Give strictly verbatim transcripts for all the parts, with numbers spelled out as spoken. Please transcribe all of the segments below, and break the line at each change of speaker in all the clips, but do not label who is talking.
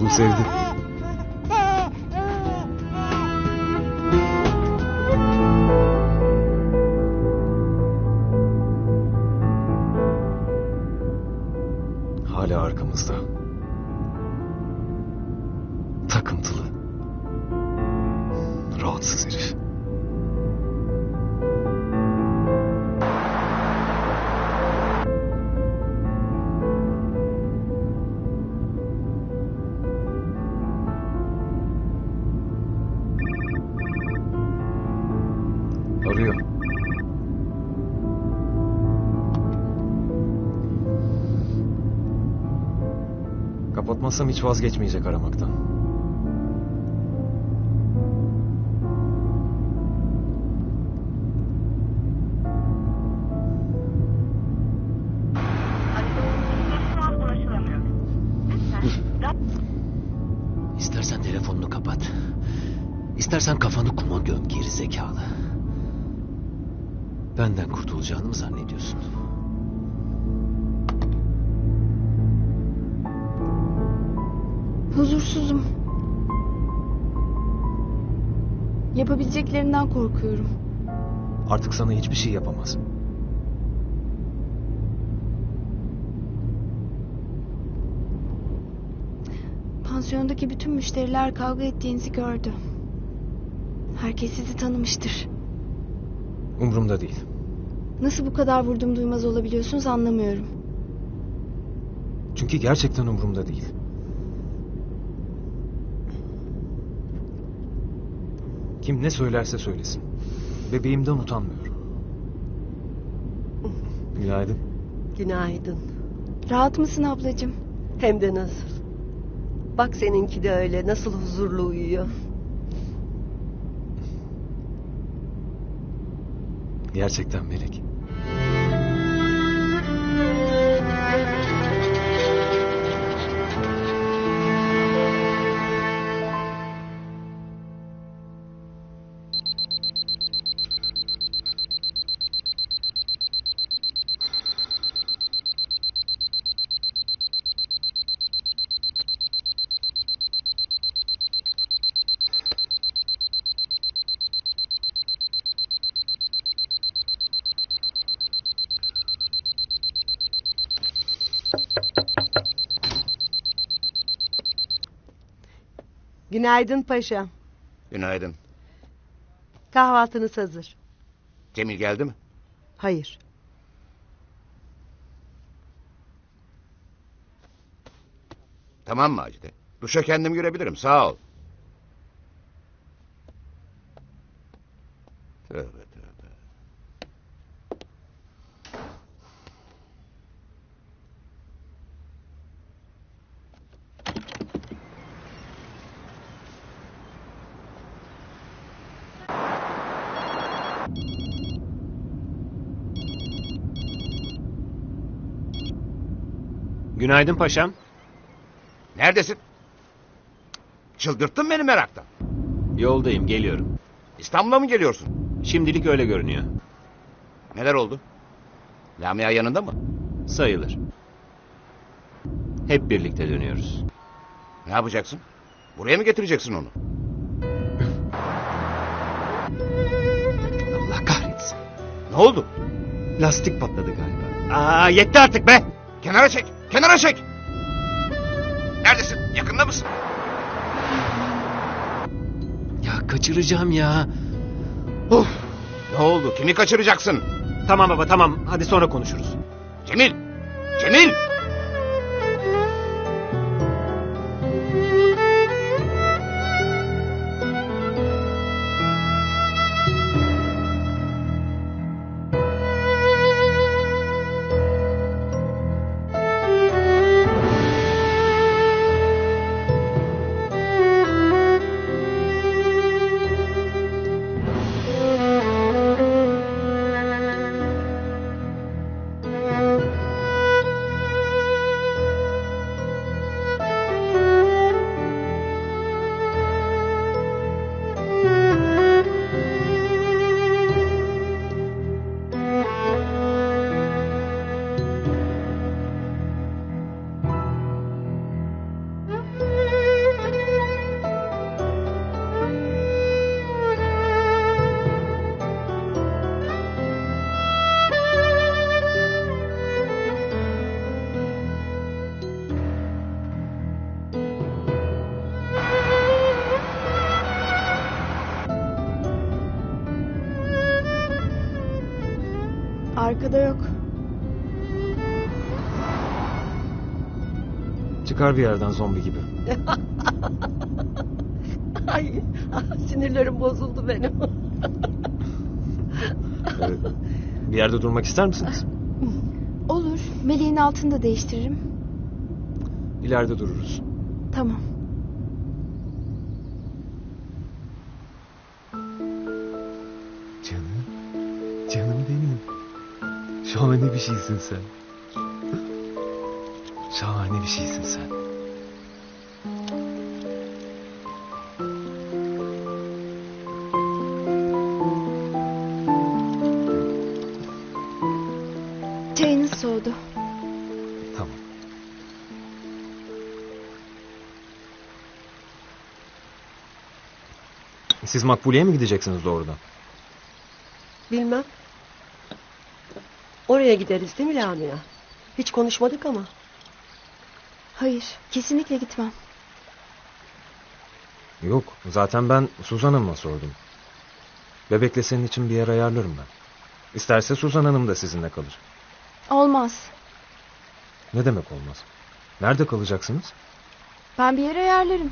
Bunu sevdi. Hala arkamızda. Takıntılı. Rahatsız herif. Arıyor. Kapatmazsam hiç vazgeçmeyecek aramaktan.
İstersen telefonunu kapat. İstersen kafanı kuma göm geri zekalı. Benden kurtulacağını mı zannediyorsun?
Huzursuzum. Yapabileceklerinden korkuyorum.
Artık sana hiçbir şey yapamaz.
Pansiyondaki bütün müşteriler kavga ettiğinizi gördü. Herkes sizi tanımıştır.
Umurumda değil.
Nasıl bu kadar vurdum duymaz olabiliyorsunuz anlamıyorum.
Çünkü gerçekten umurumda değil. Kim ne söylerse söylesin. Bebeğimden utanmıyorum. Günaydın.
Günaydın.
Rahat mısın ablacığım?
Hem de nasıl. Bak seninki de öyle nasıl huzurlu uyuyor.
Gerçekten Melek.
Günaydın paşam.
Günaydın.
Kahvaltınız hazır.
Cemil geldi mi?
Hayır.
Tamam Macide. Duşa kendim girebilirim, sağ ol. Tövbe tövbe.
Günaydın paşam.
Neredesin? Çıldırttın beni meraktan.
Yoldayım, geliyorum.
İstanbul'a mı geliyorsun?
Şimdilik öyle görünüyor.
Neler oldu? Lamia yanında mı?
Sayılır. Hep birlikte dönüyoruz.
Ne yapacaksın? Buraya mı getireceksin onu?
Allah kahretsin.
Ne oldu?
Lastik patladı galiba. Aa, yetti artık be!
Kenara çek! Kenara çek! Neredesin? Yakında mısın?
Ya kaçıracağım ya.
Of! Ne oldu? Kimi kaçıracaksın?
Tamam baba tamam, hadi sonra konuşuruz.
Cemil! Cemil!
Arkada yok.
Çıkar bir yerden zombi gibi.
Ay, sinirlerim bozuldu benim.
Ee, bir yerde durmak ister misiniz?
Olur. Meleğin altını da değiştiririm.
İleride dururuz.
Tamam.
Canım. Canım benim. Şahane bir şeysin sen. Şahane bir şeysin sen.
Çayınız soğudu.
Tamam. Siz Makbule'ye mi gideceksiniz doğrudan?
Bilmem. Oraya gideriz değil mi Lamia? Hiç konuşmadık ama.
Hayır, kesinlikle gitmem.
Yok, zaten ben Suzan Hanım'a sordum. Bebekle senin için bir yer ayarlarım ben. İsterse Suzan Hanım da sizinle kalır.
Olmaz.
Ne demek olmaz? Nerede kalacaksınız?
Ben bir yere ayarlarım.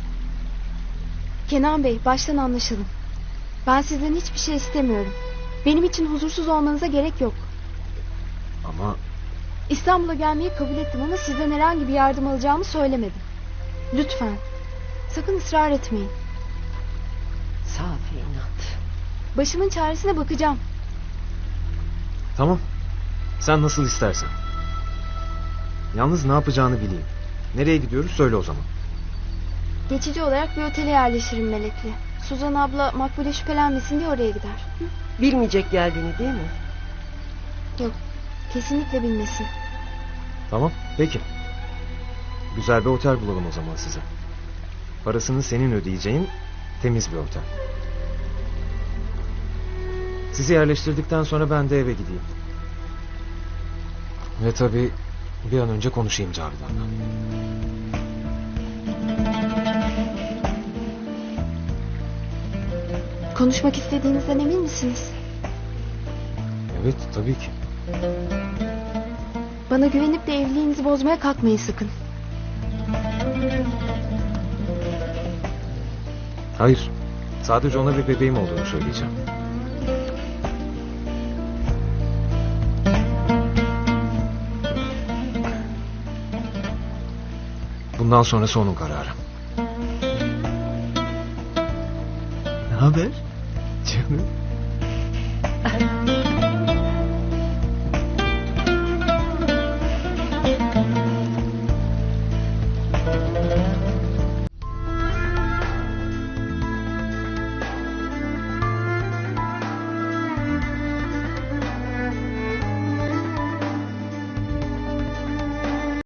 Kenan Bey, baştan anlaşalım. Ben sizden hiçbir şey istemiyorum. Benim için huzursuz olmanıza gerek yok.
Ama
İstanbul'a gelmeyi kabul ettim ama sizden herhangi bir yardım alacağımı söylemedim. Lütfen. Sakın ısrar etmeyin.
Safi inat.
Başımın çaresine bakacağım.
tamam. Sen nasıl istersen. Yalnız ne yapacağını bileyim. Nereye gidiyoruz söyle o zaman.
Geçici olarak bir otele yerleşirim Melek'le. Suzan abla Makbule şüphelenmesin diye oraya gider. Hı?
Bilmeyecek geldiğini değil mi?
Yok. Kesinlikle bilmesin.
Tamam, peki. Güzel bir otel bulalım o zaman size. Parasını senin ödeyeceğin temiz bir otel. Sizi yerleştirdikten sonra ben de eve gideyim. Ve tabii bir an önce konuşayım Cavidan'la.
Konuşmak istediğinizden emin misiniz?
Evet, tabii ki.
Bana güvenip de evliliğinizi bozmaya kalkmayın sakın.
Hayır, sadece ona bir bebeğim olduğunu söyleyeceğim. Bundan sonrası onun kararı. Ne haber? Canım.